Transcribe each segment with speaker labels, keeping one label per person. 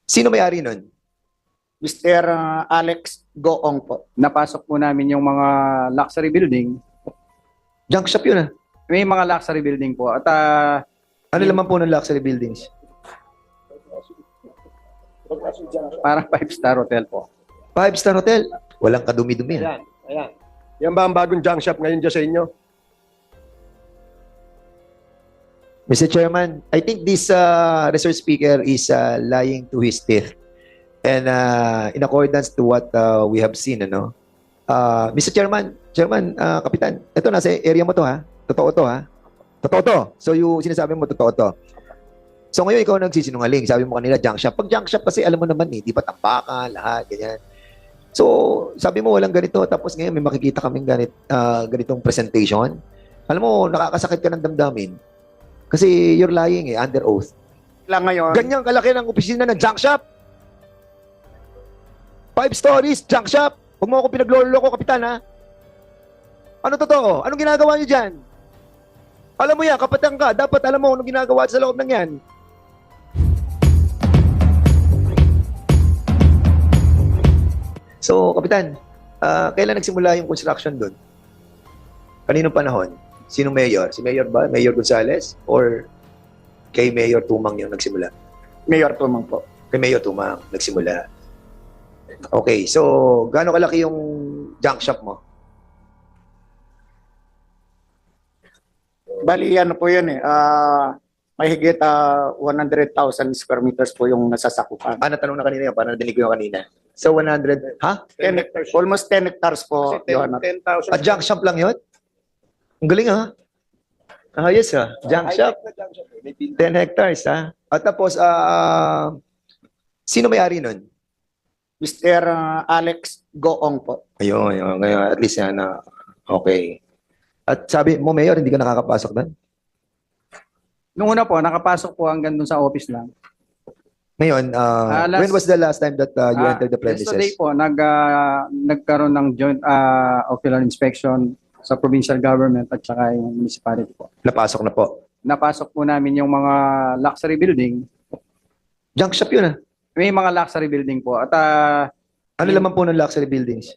Speaker 1: Sino may-ari nun?
Speaker 2: Mr. Alex Goong po.
Speaker 3: Napasok po namin yung mga luxury building.
Speaker 1: Junk shop yun ah.
Speaker 3: May mga luxury building po. At
Speaker 1: Ano laman po ng luxury buildings?
Speaker 3: parang five-star hotel po.
Speaker 1: Five-star hotel. Walang kadumi-dumi.
Speaker 4: Ayan, ayan. Yan ba ang bagong junk shop ngayon dyan sa inyo?
Speaker 1: Mr. Chairman, I think this resource speaker is lying to his teeth. And in accordance to what we have seen, ano? Mr. Chairman, Kapitan, ito nasa area mo to ha? Totoo to ha? Totoo to. So yung sinasabi mo, totoo to. So ngayon ikaw nagsisinungaling. Sabi mo kanila, junk shop. Pag junk shop kasi alam mo naman eh, di ba tambakan, lahat, ganyan. So sabi mo walang ganito. Tapos ngayon may makikita kaming ganitong presentation. Alam mo, nakakasakit ka ng damdamin. Kasi you're lying eh, under oath.
Speaker 2: Lang ngayon,
Speaker 1: Ganyang kalaki ng opisina ng junk shop. 5 stories, junk shop. Huwag mo ako pinagloloko, Kapitan, ha? Ano totoo? Anong ginagawa niyo dyan? Alam mo yan, kapatang ka, dapat alam mo anong ginagawa sa loob ng yan. So, Kapitan, kailan nagsimula yung construction doon? Kaninong panahon? Sinong mayor? Si Mayor ba? Mayor Gonzales? Or kay Mayor Tumang yung nagsimula?
Speaker 2: Mayor Tumang po.
Speaker 1: Kay Mayor Tumang nagsimula. Okay, so gaano kalaki yung junk shop mo?
Speaker 2: Bali, ano po yun eh. May higit 100,000 square meters po yung nasasakupan.
Speaker 1: Natanong na kanina yun, parang nadinig ko yung kanina. So 100, ha?
Speaker 2: 10 almost 10 hectares po.
Speaker 4: Kasi
Speaker 2: Your Honor.
Speaker 4: 10,000.
Speaker 1: Junk shop lang yun? Ang galing ha? Yes ha, junk shop. 10 hectares ha? At tapos, sino may-ari nun?
Speaker 2: Mr. Alex Goong po.
Speaker 1: Ayun, at least yan na, okay. At sabi mo, Mayor, hindi ka nakakapasok doon?
Speaker 3: Nung una po, nakapasok po hanggang dun sa office lang.
Speaker 1: Ngayon, when was the last time that you entered the premises?
Speaker 3: Yesterday po, nagkaroon ng joint ocular inspection sa provincial government at saka yung municipality po.
Speaker 1: Napasok na po.
Speaker 3: Napasok po namin yung mga luxury building.
Speaker 1: Junk shop yun ah.
Speaker 3: May mga luxury building po. At
Speaker 1: Ano laman po ng luxury buildings?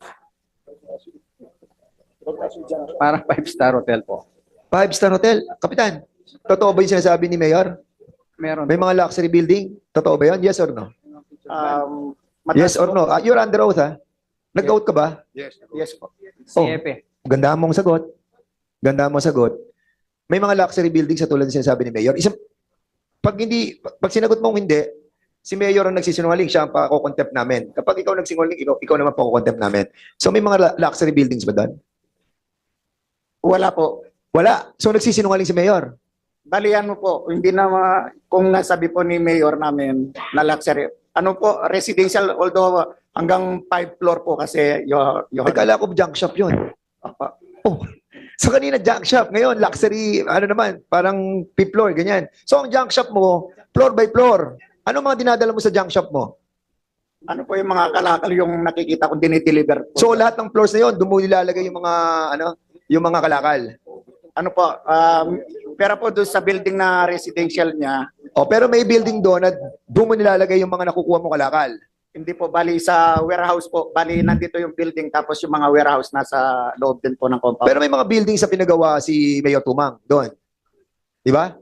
Speaker 3: parang five-star hotel po.
Speaker 1: Five-star hotel. Kapitan, totoo ba yung sinasabi ni Mayor?
Speaker 3: Meron
Speaker 1: May
Speaker 3: po.
Speaker 1: mga luxury building? Totoo ba yun? Yes or no? Yes or no? You're under oath ha? Nag-oath ka ba?
Speaker 4: Yes.
Speaker 2: Yes po.
Speaker 3: CFE.
Speaker 1: Ganda mong sagot. Ganda mong sagot. May mga luxury buildings sa tulad ng sinasabi ni Mayor. Pag sinagot mong hindi, si Mayor ang nagsisinungaling, siya ang pakukontempt namin. Kapag ikaw nagsinungaling, ikaw naman pakukontempt namin. So may mga luxury buildings ba doon?
Speaker 2: Wala po.
Speaker 1: Wala. So nagsisinungaling si Mayor.
Speaker 2: Balian mo po, hindi na kung nasabi po ni Mayor namin na luxury. Ano po, residential, although hanggang 5 floor po kasi
Speaker 1: Nagkala ko junk shop yun. Oh. So kanina junk shop, ngayon luxury, ano naman, parang 5th floor, ganyan. So ang junk shop mo, floor by floor. Ano mga dinadala mo sa junk shop mo?
Speaker 2: ano po yung mga kalakal yung nakikita kong dinideliver po.
Speaker 1: So lahat ng floors na yun, doon mo nilalagay yung mga, yung mga kalakal.
Speaker 2: Ano po, pero po doon sa building na residential niya,
Speaker 1: Pero may building doon na doon mo nilalagay yung mga nakukuha mo kalakal.
Speaker 2: hindi po, bali sa warehouse po, bali nandito yung building tapos yung mga warehouse nasa loob din po ng compound.
Speaker 1: Pero may mga building sa pinagawa si Mayor Tumang doon. Di ba?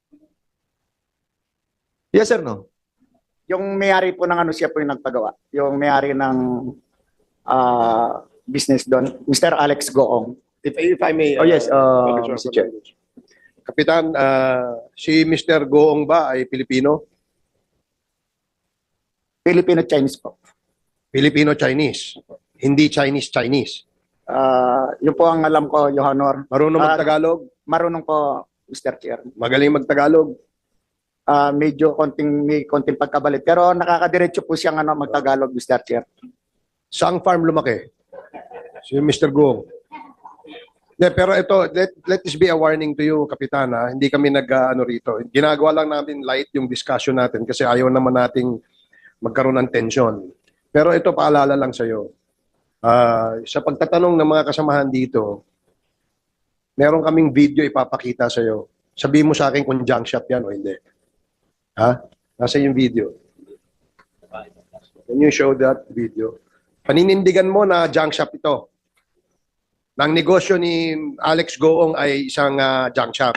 Speaker 1: Yes or no?
Speaker 2: Yung may-ari po ng ano siya po yung nagpagawa. Yung may-ari ng business doon, Mr. Alex Goong.
Speaker 4: If I may.
Speaker 1: Oh yes,
Speaker 4: Mr.
Speaker 1: Mr. Chair.
Speaker 4: Kapitan, si Mr. Goong ba ay Pilipino?
Speaker 2: Filipino-Chinese po.
Speaker 4: Filipino-Chinese. Hindi Chinese-Chinese.
Speaker 2: Yun po ang alam ko, Your Honor.
Speaker 4: Marunong mag-Tagalog?
Speaker 2: Marunong po, Mr. Chair.
Speaker 4: Magaling mag-Tagalog?
Speaker 2: Medyo may konting pagkabalit. Pero nakakadiretso po siyang mag-Tagalog, Mr. Chair.
Speaker 4: Saang farm lumaki? Si Mr. Goong. Pero ito, let this be a warning to you, Kapitan. Hindi kami nag-ano rito. Ginagawa lang namin light yung discussion natin kasi ayaw naman nating magkaroon ng tension. Pero ito, paalala lang sa'yo. Sa pagtatanong ng mga kasamahan dito, meron kaming video ipapakita sa'yo. Sabihin mo sa akin kung junk shop yan o hindi. Ha? Nasa yung video. Can you show that video? Paninindigan mo na junk shop ito. Nang negosyo ni Alex Goong ay isang junk shop.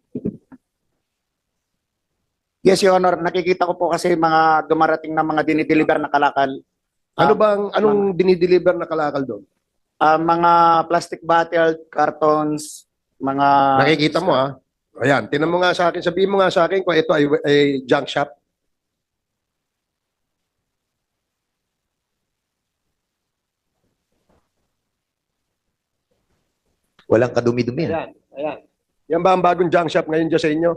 Speaker 2: Yes, Your Honor. Nakikita ko po kasi mga dumarating na mga dinideliver na kalakal.
Speaker 4: Anong dinideliver na kalakal doon?
Speaker 2: Mga plastic bottle, cartons, mga...
Speaker 4: Nakikita mo ha? Ayan, tinan mo nga sa akin, sabihin mo nga sa akin kung ito ay junk shop.
Speaker 1: Walang kadumi-dumi.
Speaker 4: Ayan, ayan. Yan ba ang bagong junk shop ngayon dyan sa inyo?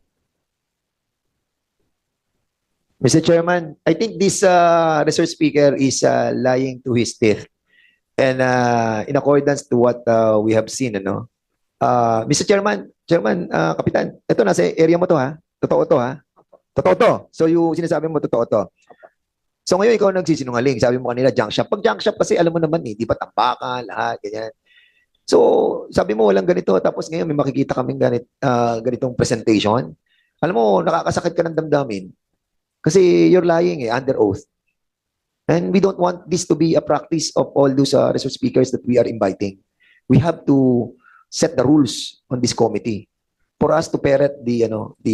Speaker 1: Mr. Chairman, I think this resource speaker is lying to his teeth. And in accordance to what we have seen, ano? Mr. Chairman, Kapitan, ito nasa area mo to ha? Totoo to ha? Totoo to. So yung sinasabi mo, totoo to. So ngayon ikaw nagsisinungaling. Sabi mo kanila, junk shop. Pag junk shop kasi alam mo naman eh, di ba tambakan, lahat, ganyan. So sabi mo walang ganito. Tapos ngayon may makikita kaming ganitong presentation. Alam mo, nakakasakit ka ng damdamin. Kasi you're lying eh, under oath. And we don't want this to be a practice of all those resource speakers that we are inviting. We have to set the rules on this committee for us to parrot the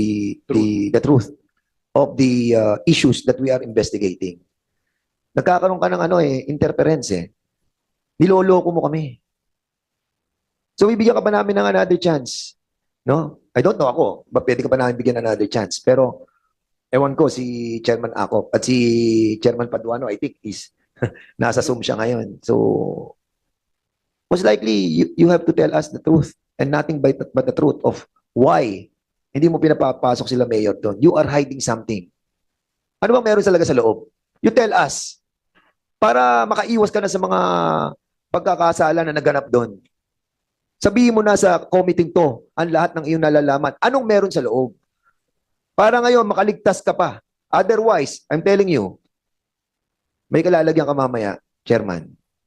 Speaker 1: truth of the issues that we are investigating. Nagkakaroon ka ng interference eh. Niloloko mo kami. So bibigyan ka ba namin ng another chance? No? I don't know ako, ba pwede ka ba namin bigyan another chance? Pero ewan ko si Chairman Acop at si Chairman Paduano, I think is nasa Zoom siya ngayon. So most likely you have to tell us the truth and nothing but the truth of why hindi mo pinapapasok sila mayor doon. You are hiding something. Ano bang meron talaga sa loob? You tell us para makaiwas ka na sa mga pagkakasala na naganap doon. Sabihin mo na sa committee to ang lahat ng iyong nalalaman. Anong meron sa loob? Para ngayon makaligtas ka pa. Otherwise, I'm telling you, may kalalagyan ka mamaya, Chairman.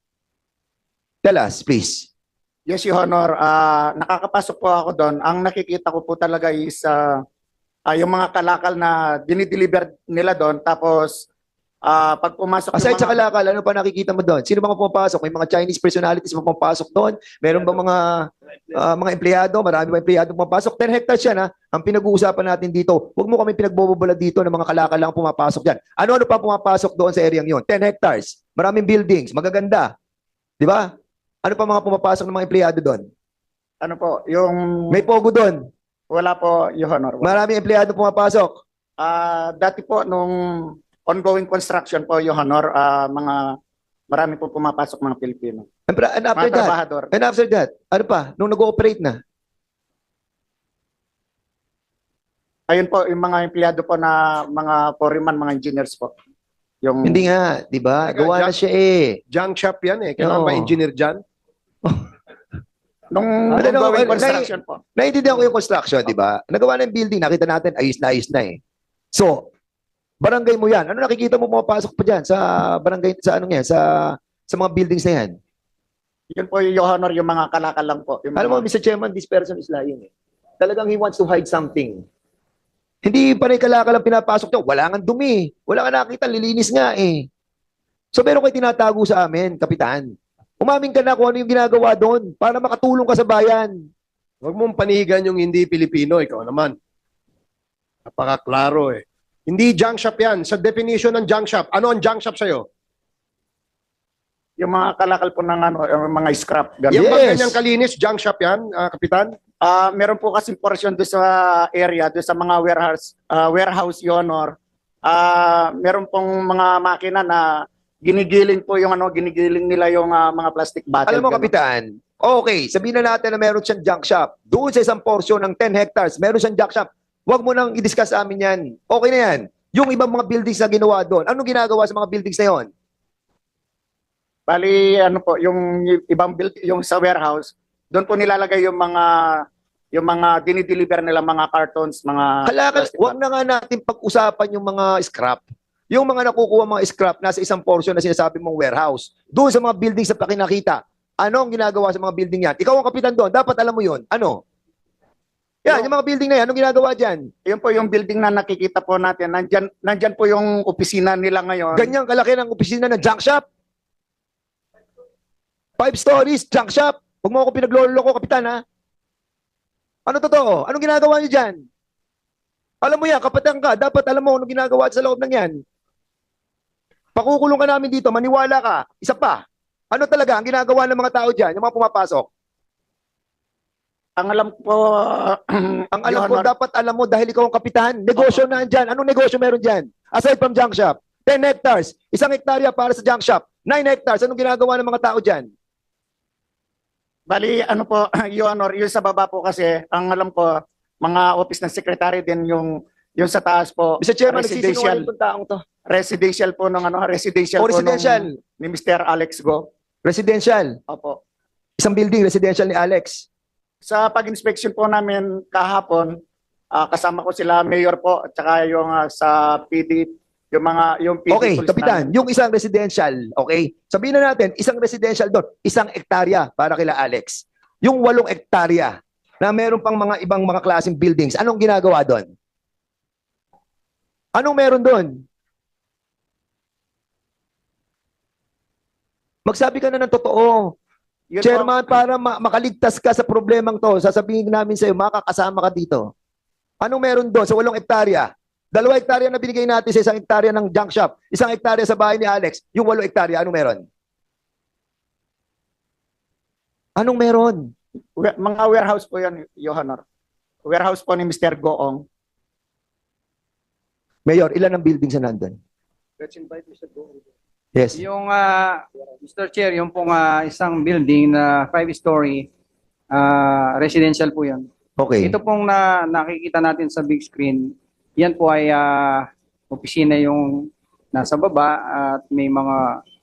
Speaker 1: Tell us, please.
Speaker 2: Yes, Your Honor. Nakakapasok po ako doon. Ang nakikita ko po talaga is yung mga kalakal na dinideliver nila doon. Tapos, pag pumasok
Speaker 1: Aside sa kalakal, ano pa nakikita mo doon? Sino mga pumapasok? May mga Chinese personalities pa pumapasok doon? Meron ba mga empleyado? Marami ba empleyado pumapasok? 10 hectares yan ha. Ang pinag-uusapan natin dito, huwag mo kami pinagbobobala dito ng mga kalakal lang pumapasok dyan. Ano-ano pa pumapasok doon sa area yon? 10 hectares. Maraming buildings. Magaganda. Di ba? Ano pa mga pumapasok ng mga empleyado doon?
Speaker 2: Ano po, yung...
Speaker 1: May pogo doon.
Speaker 2: Wala po, Your Honor.
Speaker 1: Maraming empleyado pumapasok.
Speaker 2: Dati po, nung ongoing construction po, Your Honor, marami po pumapasok mga Pilipino.
Speaker 1: And after
Speaker 2: Mga
Speaker 1: that,
Speaker 2: trabahador.
Speaker 1: ano pa? Nung nag-ooperate na?
Speaker 2: Ayun po, yung mga empleyado po na mga foreman, mga engineers po. Yung...
Speaker 1: Hindi nga, di ba?
Speaker 4: Teka,
Speaker 1: Gawa na siya eh.
Speaker 4: Junk shop yan eh. Kailangan
Speaker 1: Oo.
Speaker 4: ba engineer dyan?
Speaker 2: Nung ongoing construction po.
Speaker 1: Naiintindihan ko yung construction, di ba? Nagawa na yung building, nakita natin, ayos na eh. So, barangay mo yan. Ano nakikita mo pumapasok pa dyan sa barangay, sa ano yan, sa mga buildings na yan?
Speaker 2: Yun po, Your Honor, yung mga kalakal lang po. Yung
Speaker 1: Alam mo,
Speaker 2: mga...
Speaker 1: Mr. Chairman, this person is lying eh. Talagang he wants to hide something. Hindi pa rin kalakal ang pinapasok niya. Wala nga dumi. Wala nga nakita, lilinis nga eh. So, meron kayo tinatago sa amin, Kapitan. Umamin ka na kung ano yung ginagawa doon para makatulong ka sa bayan.
Speaker 4: Huwag mong panihigan yung hindi Pilipino. Ikaw naman. Napakaklaro eh. Hindi junk shop yan. Sa definition ng junk shop, ano ang junk shop sa'yo?
Speaker 2: Yung mga kalakal po ng yung mga scrap. Ganun.
Speaker 4: Yung
Speaker 1: Yes.
Speaker 4: bang ganyang kalinis, junk shop yan, Kapitan?
Speaker 2: Meron po kasing portion doon sa area, doon sa mga warehouse, Your Honor. Meron pong mga makina na ginigiling po yung ginigiling nila yung mga plastic bottle.
Speaker 1: Alam mo,
Speaker 2: ganun.
Speaker 1: Kapitan, okay, sabihin na natin na meron siyang junk shop. Doon sa isang portion ng 10 hectares, meron siyang junk shop. Huwag mo nang i-discuss sa amin yan. Okay na yan. Yung ibang mga buildings na ginawa doon, anong ginagawa sa mga buildings na yon?
Speaker 2: Bali, ano po, yung ibang yung sa warehouse, doon po nilalagay yung mga dinideliver nila, mga cartons, mga...
Speaker 1: Kalakal,
Speaker 2: plastic
Speaker 1: huwag na nga natin pag-usapan yung mga scrap. Yung mga nakukuha mga scrap nasa isang portion na sinasabi mong warehouse. Doon sa mga buildings na pakinakita. Ano ang ginagawa sa mga building yan? Ikaw ang kapitan doon. Dapat alam mo yun. Ano? Yan, yung mga building na yan, anong ginagawa dyan?
Speaker 2: Yun po yung building na nakikita po natin. Nandyan po yung opisina nila ngayon.
Speaker 1: Ganyang kalaki ng opisina ng junk shop. 5 stories, junk shop. Huwag mo ako pinagloloko, kapitan, ha? Ano totoo? Anong ginagawa niyo dyan? Alam mo yan, kapatang ka, dapat alam mo anong ginagawa sa loob ng yan. Pakukulong ka namin dito, maniwala ka. Isa pa, ano talaga ang ginagawa ng mga tao dyan, yung mga pumapasok?
Speaker 2: Ang alam po,
Speaker 1: Ang alam
Speaker 2: Your
Speaker 1: ko,
Speaker 2: Honor,
Speaker 1: dapat alam mo dahil ikaw ang kapitan. Negosyo na dyan. Anong negosyo meron dyan? Aside from junk shop. 10 hectares. 1 hektarya para sa junk shop. 9 hectares. Anong ginagawa ng mga tao dyan?
Speaker 2: bali, ano po, Your Honor, yung sa baba po kasi, ang alam ko, mga office ng secretary din yung sa taas po,
Speaker 1: Mr. Chairman,
Speaker 2: residential,
Speaker 1: nagsisinungaling itong taong to.
Speaker 2: residential po ng ano, residential
Speaker 1: O
Speaker 2: po
Speaker 1: residential.
Speaker 2: ni Mr. Alex Go.
Speaker 1: Residential.
Speaker 2: Opo.
Speaker 1: Isang building, residential ni Alex.
Speaker 2: Sa pag-inspection po namin kahapon, kasama ko sila mayor po at saka yung sa PD, yung PD
Speaker 1: Okay,
Speaker 2: police
Speaker 1: kapitan,
Speaker 2: namin.
Speaker 1: yung isang residential, okay? Sabihin na natin, isang residential doon, 1 hektarya para kila Alex. Yung 8 hektarya na meron pang mga ibang mga klaseng buildings, anong ginagawa doon? Anong meron doon? Magsabi ka na ng totoo.
Speaker 2: Yun po,
Speaker 1: Chairman, para makaligtas ka sa problemang to, sasabihin namin sa'yo, makakasama ka dito. Anong meron doon sa 8 hektarya? 2 hektarya na binigay natin sa 1 hektarya ng junk shop, 1 hektarya sa bahay ni Alex, yung 8 hektarya, anong meron? Anong meron?
Speaker 2: mga warehouse po yan, Your Honor. Warehouse po ni Mr. Goong.
Speaker 1: Mayor, ilan ang buildings na nandun?
Speaker 4: Let's invite Mr. Go.
Speaker 1: Yes.
Speaker 3: Yung, Mr. Chair, yung pong isang building na 5-story, residential po yan.
Speaker 1: Okay.
Speaker 3: Ito pong nakikita natin sa big screen, yan po ay opisina yung nasa baba at may mga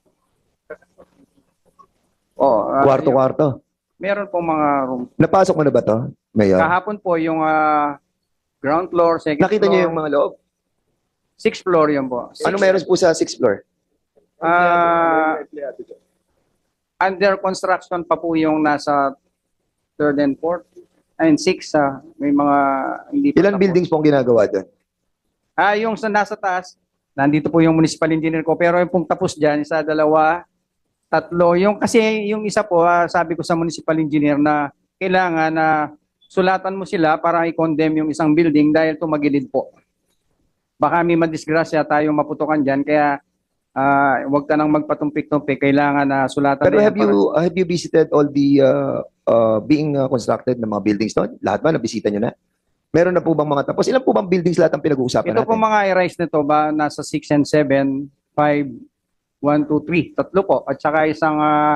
Speaker 1: Kwarto-kwarto.
Speaker 3: meron pong mga room.
Speaker 1: Napasok mo na ba to, Mayor?
Speaker 3: Kahapon po yung ground floor, second
Speaker 1: Nakita
Speaker 3: floor,
Speaker 1: niyo yung mga loob?
Speaker 3: 6th floor yun po.
Speaker 1: Ano meron po sa 6th floor?
Speaker 3: Under construction pa po yung nasa 3rd and 4th. And 6, may mga hindi pa
Speaker 1: Ilan
Speaker 3: tapos.
Speaker 1: buildings po ang ginagawa doon?
Speaker 3: Yung sa nasa taas, nandito po yung municipal engineer ko. Pero yung pong tapos dyan, 1, 2, 3. Kasi yung isa po, sabi ko sa municipal engineer na kailangan na sulatan mo sila para i-condemn yung isang building dahil tumagilid po. Baka may madisgrasya tayong maputukan dyan. Kaya huwag ka nang magpatumpik-tumpik. Kailangan na sulatan.
Speaker 1: Pero
Speaker 3: na yan
Speaker 1: have you visited all the being constructed na mga buildings doon? Lahat ba nabisita niyo na? Meron na po bang mga tapos? Ilan po bang buildings lahat ang pinag-uusapan
Speaker 3: Ito
Speaker 1: natin?
Speaker 3: po mga i-rise nito ba nasa 6 and 7, 5, 1, 2, 3, tatlo po. At saka isang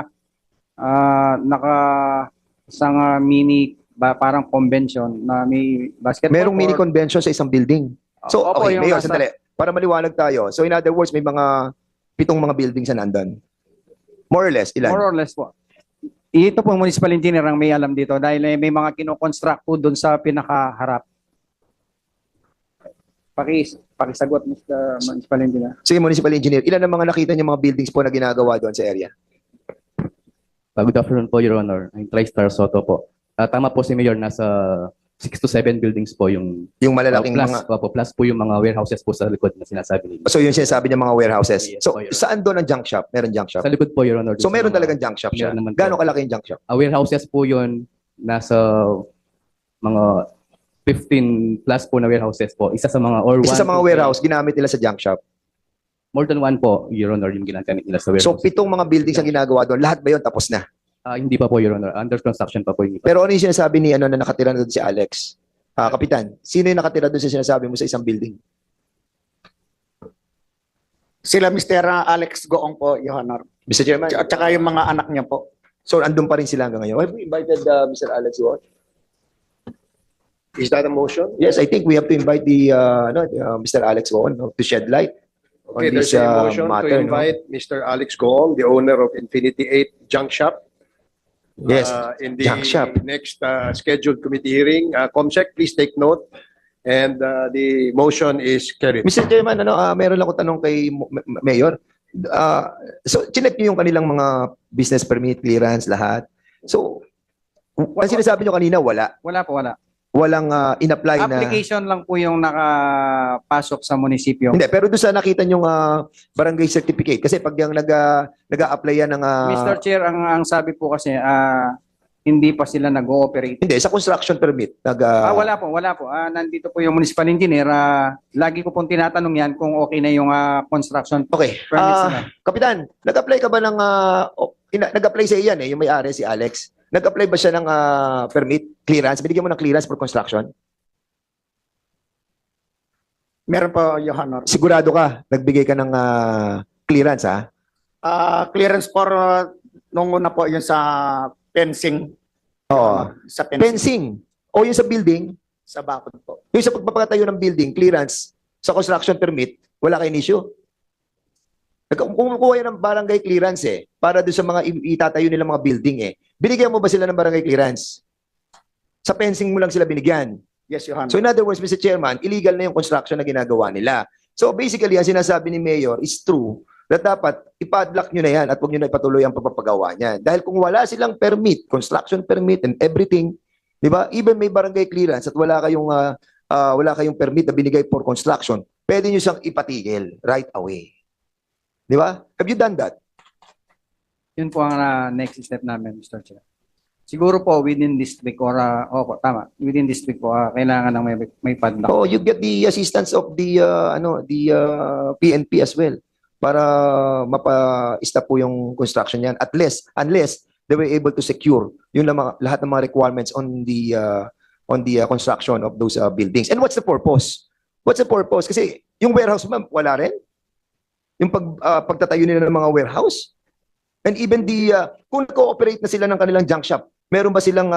Speaker 3: isang mini parang convention na may basketball
Speaker 1: Merong mini
Speaker 3: court.
Speaker 1: convention sa isang building. So,
Speaker 3: Opo,
Speaker 1: okay,
Speaker 3: yung
Speaker 1: Mayor,
Speaker 3: nasa-
Speaker 1: sandali. Para maliwanag tayo. So, in other words, may mga 7 mga buildings na nandun. More or less, ilan?
Speaker 3: More or less po. Ito po municipal engineer ang may alam dito dahil may mga kinoconstruct po doon sa pinakaharap. Pakisagot, Mr. Municipal Engineer.
Speaker 1: Sige, municipal engineer. Ilan ang mga nakita niyo mga buildings po na ginagawa doon sa area?
Speaker 5: Good afternoon po, Your Honor. I'm TriStar Soto po. Tama po si Mayor, nasa 6 to 7 buildings po yung
Speaker 1: Yung malalaking
Speaker 5: plus,
Speaker 1: mga...
Speaker 5: plus po yung mga warehouses po sa likod na sinasabi ninyo.
Speaker 1: So, yung sinasabi niya mga warehouses.
Speaker 5: Yes,
Speaker 1: So,
Speaker 5: po, Your
Speaker 1: saan doon ang junk shop? Meron junk shop?
Speaker 5: Sa likod po, Your Honor.
Speaker 1: So, meron
Speaker 5: Sa mga-
Speaker 1: talagang junk shop siya.
Speaker 5: Meron naman po.
Speaker 1: Gano'ng kalaki yung junk shop?
Speaker 5: warehouses po yun, nasa mga 15 plus po na warehouses po. Isa sa mga or
Speaker 1: Isa sa
Speaker 5: one
Speaker 1: mga
Speaker 5: to
Speaker 1: warehouse, ginamit nila sa junk shop.
Speaker 5: More than one po, Your Honor, yung ginagamit nila sa
Speaker 1: So,
Speaker 5: warehouse.
Speaker 1: 7 mga buildings ang ginagawa doon. Lahat ba yun tapos na?
Speaker 5: Hindi pa po, Your Honor. Under construction pa po yung iba.
Speaker 1: Pero ano yung sinasabi ni ano na nakatira na doon si Alex? Kapitan, sino yung nakatira doon sa sinasabi mo sa isang building?
Speaker 2: Sila Mr. Alex Goong po, Your Honor.
Speaker 1: Mr. Chairman.
Speaker 2: At saka yung mga anak niya po.
Speaker 1: So, andun pa rin sila hanggang ngayon. Have we invited Mr. Alex Ward?
Speaker 4: Is that a motion?
Speaker 1: Yes, I think we have to invite the Mr. Alex Ward to shed light
Speaker 4: Okay,
Speaker 1: on
Speaker 4: there's
Speaker 1: this
Speaker 4: a motion
Speaker 1: matter.
Speaker 4: to invite Mr. Alex Goong, the owner of Infinity 8 Junk Shop.
Speaker 1: Yes,
Speaker 4: In the
Speaker 1: junk shop.
Speaker 4: next scheduled committee hearing. Comsec, please take note. And the motion is carried.
Speaker 1: Mr. Chairman, meron lang ko tanong kay Mayor. So, chinek niyo yung kanilang mga business permit, clearance, lahat. So, ang sinasabi niyo kanina, wala.
Speaker 3: Wala po, wala.
Speaker 1: walang in-apply na...
Speaker 3: Application lang po yung nakapasok sa munisipyo.
Speaker 1: Hindi, pero doon sa nakita yung barangay certificate, kasi pag yung nag-a-apply yan ng...
Speaker 3: Mr. Chair, ang sabi po kasi, hindi pa sila nag-ooperate.
Speaker 1: Hindi, sa construction permit.
Speaker 3: Wala po. Nandito po yung municipal engineer. Lagi ko pong tinatanong yan kung okay na yung construction
Speaker 1: Okay.
Speaker 3: permits nila.
Speaker 1: Kapitan, nag-apply ka ba ng... nag-apply sa iyan yung may-ari, si Alex. Nag-apply ba siya ng permit, clearance? Binigyan mo ng clearance for construction?
Speaker 2: Meron po, Your Honor.
Speaker 1: Sigurado ka, nagbigay ka ng clearance, ha?
Speaker 2: Clearance for nung una po yun sa fencing.
Speaker 1: Oo.
Speaker 2: Sa fencing.
Speaker 1: Fencing. O yung sa building,
Speaker 2: Sa bakod po.
Speaker 1: yung sa pagpapatayo ng building, clearance, sa construction permit, wala kayong issue. Kumukuha yan ng barangay clearance para doon sa mga itatayo nilang mga building Binigyan mo ba sila ng barangay clearance? Sa fencing mo lang sila binigyan.
Speaker 2: Yes, Your Honor.
Speaker 1: So in other words, Mr. Chairman, illegal na yung construction na ginagawa nila. So basically, ang sinasabi ni Mayor is true that dapat ipadlock nyo na yan at huwag nyo na ipatuloy ang pagpapagawa niyan. Dahil kung wala silang permit, construction permit and everything, di ba? Even may barangay clearance at wala kayong permit na binigay for construction, pwede nyo siyang ipatigil right away. Di ba? Have you done that?
Speaker 3: Yun po ang next step namin, Mr. Chair. Siguro po within this week or opo, tama. Within this week po kailangan ng may padlock.
Speaker 1: Oh, you get the assistance of the PNP as well para mapa-stop po yung construction niyan unless they were able to secure yung lahat ng mga requirements on the construction of those buildings. And what's the purpose? What's the purpose? Kasi yung warehouse ma'am, wala rin. Yung pagtatayo nila ng mga warehouse. And even kung nag-cooperate na sila ng kanilang junk shop, meron ba silang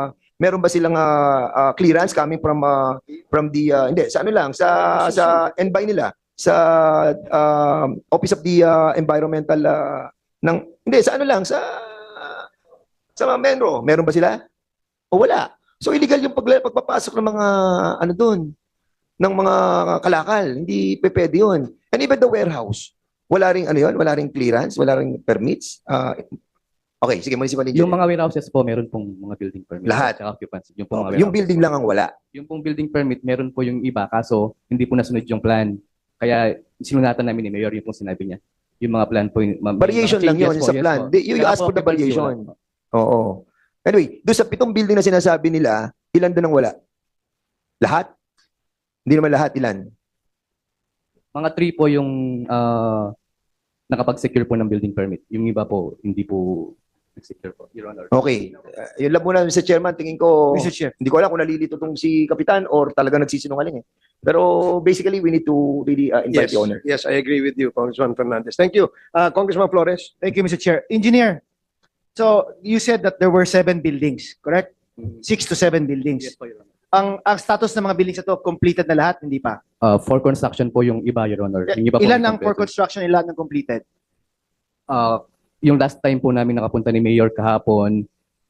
Speaker 1: clearance coming from the hindi sa ano lang sa NBI nila sa Office of the Environmental hindi sa ano lang sa mga Menro, meron ba sila? O wala. So illegal yung pagpapasok ng mga ano doon ng mga kalakal, hindi pwede yun. And even the warehouse, wala ring wala ring clearance, wala ring permits. Okay, sige, municipal engineer.
Speaker 5: Yung mga warehouses po, meron pong mga building permit.
Speaker 1: Lahat?
Speaker 5: At occupancy. Yung, pong mga
Speaker 1: Yung
Speaker 5: warehouses.
Speaker 1: building lang ang wala.
Speaker 5: Yung pong building permit, meron po yung iba, kaso hindi po nasunod yung plan. Kaya sinunatan namin ni Mayor yung pong sinabi niya. Yung mga plan po.
Speaker 1: Variation lang yun sa plan. You ask for the variation. Oo. Anyway, doon sa 7 building na sinasabi nila, ilan doon ang wala? Lahat? Hindi naman lahat, ilan?
Speaker 5: Mga 3 po yung nakapag-secure po ng building permit. Yung iba po, hindi po nag-secure po, Your Honor.
Speaker 1: Okay. Yun lang muna, Mr. Chairman. Tingin ko,
Speaker 3: Mr. Chair.
Speaker 1: hindi ko alam kung nalilito tong si Kapitan or talaga nagsisinungaling Pero basically, we need to really invite
Speaker 4: Yes,
Speaker 1: the owner.
Speaker 4: yes, I agree with you, Congressman Fernandez. Thank you. Congressman Flores.
Speaker 6: Thank you, Mr. Chair. Engineer, so you said that there were 7 buildings, correct? 6 to 7 buildings.
Speaker 5: Yes po, Your Honor.
Speaker 6: Ang status ng mga buildings na to, completed na lahat, hindi pa?
Speaker 5: For construction po yung iba, Your Honor. Yung iba po
Speaker 6: Ilan ang for
Speaker 5: incomplete.
Speaker 6: construction, ilan ang completed?
Speaker 5: Yung last time po namin nakapunta ni Mayor kahapon,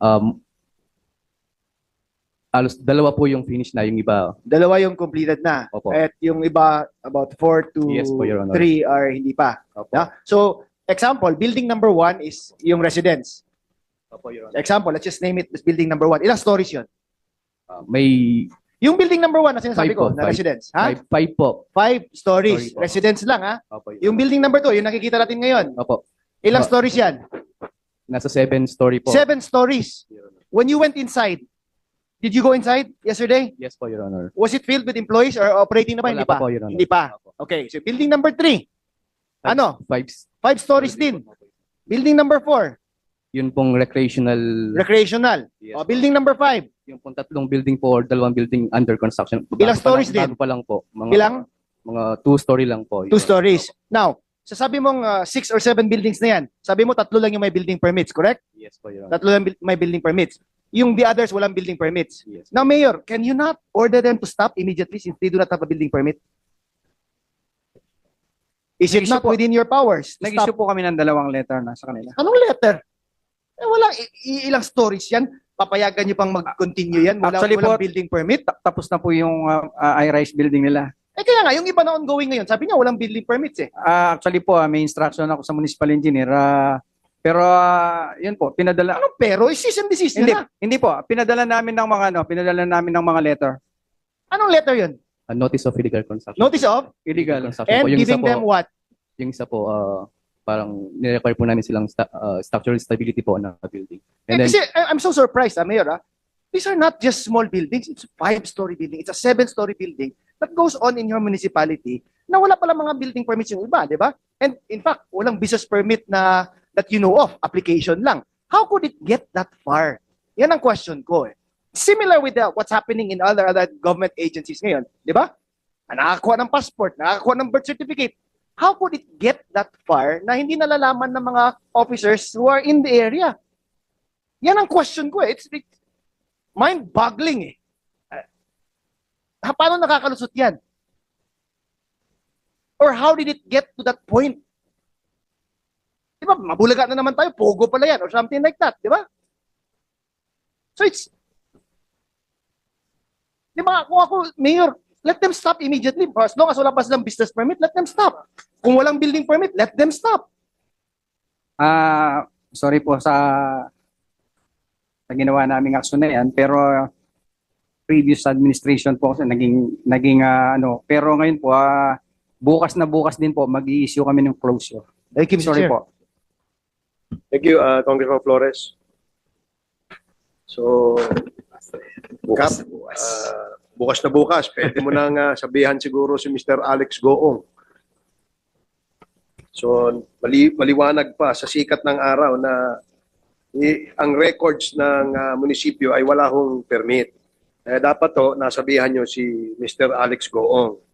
Speaker 5: alos 2 po yung finish na, yung iba.
Speaker 6: 2 yung completed na.
Speaker 5: Opo.
Speaker 6: At yung iba, about 4 to
Speaker 5: Yes po, Your Honor.
Speaker 6: 3 are hindi pa.
Speaker 5: Opo.
Speaker 6: Yeah? So, example, building number 1 is yung residence.
Speaker 5: Opo, Your Honor.
Speaker 6: Example, let's just name it as building number 1. Ilang stories yun?
Speaker 5: May
Speaker 6: Yung building number 1 na sinasabi
Speaker 5: 5
Speaker 6: ko,
Speaker 5: po,
Speaker 6: na
Speaker 5: 5.
Speaker 6: residence. Ha?
Speaker 5: 5 po.
Speaker 6: 5 stories.
Speaker 5: Story po.
Speaker 6: Residence lang, ha?
Speaker 5: Opo, Your
Speaker 6: Yung
Speaker 5: Honor.
Speaker 6: building number 2, yung nakikita natin ngayon.
Speaker 5: Opo.
Speaker 6: Ilang stories yan?
Speaker 5: Nasa 7 story po.
Speaker 6: 7 stories.
Speaker 5: Your Honor.
Speaker 6: When you went inside, did you go inside yesterday?
Speaker 5: Yes po, Your Honor.
Speaker 6: Was it filled with employees or operating na ba?
Speaker 5: Wala
Speaker 6: Hindi pa.
Speaker 5: pa po, Your Honor.
Speaker 6: Hindi pa.
Speaker 5: Opo.
Speaker 6: Okay, so building number 3. Ano?
Speaker 5: 5
Speaker 6: 5 stories din. Building number 4,
Speaker 5: Yun pong recreational.
Speaker 6: recreational.
Speaker 5: Yes
Speaker 6: O,
Speaker 5: po.
Speaker 6: building number 5,
Speaker 5: Yung pong 3 building po or 2 building under construction.
Speaker 6: Ilang stories din?
Speaker 5: Bago pa lang po. Mga,
Speaker 6: ilang?
Speaker 5: Mga 2 story lang po.
Speaker 6: 2 stories. Now, sasabi mong 6 or 7 buildings na yan, sabi mo 3 lang yung may building permits, correct?
Speaker 5: Yes po, Your Honor.
Speaker 6: 3 lang may building permits. Yung the others, walang building permits.
Speaker 5: Yes.
Speaker 6: Now, Mayor, can you not order them to stop immediately since they do not have a building permit? Is it
Speaker 3: Nag-issue
Speaker 6: not
Speaker 3: po-
Speaker 6: within your powers to
Speaker 3: Nag-issue
Speaker 6: stop?
Speaker 3: po kami ng 2 letter na sa kanila.
Speaker 6: Anong letter? Walang ilang stories yan. Papayagan nyo pang mag-continue yan.
Speaker 3: Actually
Speaker 6: Walang
Speaker 3: po-
Speaker 6: building permit.
Speaker 3: Tapos na po yung I-rise building nila.
Speaker 6: Kaya nga, yung iba na ongoing ngayon, sabi niya walang building permits eh.
Speaker 3: Actually po, may instruction ako sa municipal engineer. Pero yun po, pinadala.
Speaker 6: Anong pero? Cease and desist
Speaker 3: Hindi,
Speaker 6: nyo na.
Speaker 3: hindi po. Pinadala namin ng mga pinadala namin ng mga letter.
Speaker 6: Anong letter yun?
Speaker 5: A notice of illegal construction.
Speaker 6: Notice of?
Speaker 3: Illegal.
Speaker 5: Construction
Speaker 6: And
Speaker 5: po. Yung isa
Speaker 6: giving
Speaker 5: po,
Speaker 6: them what?
Speaker 5: yung isa po, parang nirequire po namin silang structural stability po ng building. And then,
Speaker 6: Kasi I'm so surprised, Mayor. These are not just small buildings. It's a 5-story building. It's a 7-story building that goes on in your municipality na wala pala mga building permits yung iba, di ba? And in fact, walang business permit na that you know of, application lang. How could it get that far? Yan ang question ko eh. Similar with what's happening in other government agencies ngayon, di ba? Nakakakuha ng passport, nakakakuha ng birth certificate. How could it get that far na hindi nalalaman ng mga officers who are in the area? Yan ang question ko eh. It's mind-boggling eh. Paano nakakalusot yan? Or how did it get to that point? Di ba, mabulaga na naman tayo, pogo pala yan, or something like that, di ba? So it's, di ba, kung ako, Mayor, let them stop immediately. As long as wala pa silang business permit, let them stop. Kung walang building permit, let them stop.
Speaker 3: Sorry po sa ginawa naming aksyon na yan, pero previous administration po kasi naging pero ngayon po bukas din po mag-i-issue kami ng closure.
Speaker 6: Thank you, Mr.
Speaker 3: Sorry
Speaker 6: Chair.
Speaker 3: po.
Speaker 4: Thank you, Congressman Flores. So, Kap, bukas na bukas, pwede mo nang sabihan siguro si Mr. Alex Goong. So, maliwanag pa sa sikat ng araw na ang records ng munisipyo ay wala hong permit. Dapat to, nasabihan nyo si Mr. Alex Goong.